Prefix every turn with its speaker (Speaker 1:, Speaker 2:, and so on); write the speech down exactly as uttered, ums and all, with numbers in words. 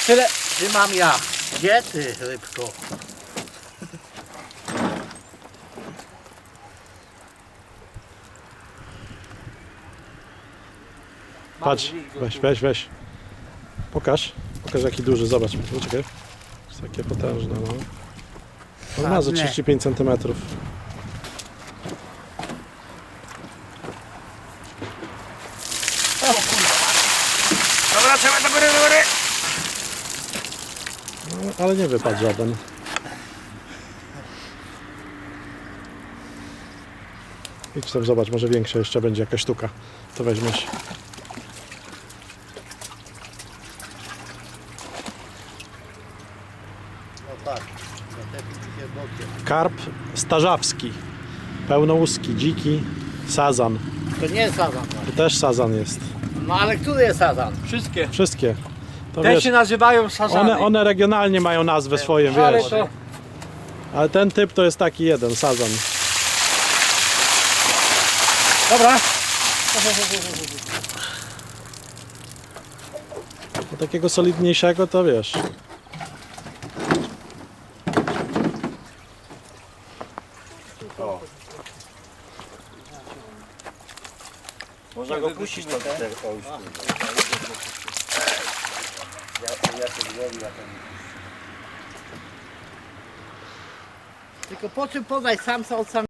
Speaker 1: Tyle trzymam ja. Gdzie ty, rybko?
Speaker 2: Patrz, weź, weź, weź. Pokaż. Pokaż jaki duży, zobacz. Poczekaj. Jest takie potężne, no. On ma za trzydzieści pięć centymetrów.
Speaker 1: Dobra, trzeba do góry, do góry.
Speaker 2: No, ale nie wypadł żaden. Idź tam, zobacz, może większe jeszcze będzie jakaś sztuka. To weźmiesz.
Speaker 1: O tak, zatepnij się bokiem.
Speaker 2: Karp starzawski. Pełnołuski, dziki, sazan.
Speaker 1: To nie jest sazan.
Speaker 2: To też sazan jest.
Speaker 1: No ale który jest sazan?
Speaker 3: Wszystkie.
Speaker 2: Wszystkie. To
Speaker 3: Te
Speaker 2: wiesz,
Speaker 3: się nazywają sazany.
Speaker 2: one, one regionalnie mają nazwę swoje,
Speaker 3: Ale
Speaker 2: wiesz.
Speaker 3: to
Speaker 2: Ale ten typ to jest taki jeden, sazan.
Speaker 3: dobra.
Speaker 2: Do takiego solidniejszego to wiesz.
Speaker 3: Można go puścić to te.
Speaker 1: Tylko po czym poznać samca od samca?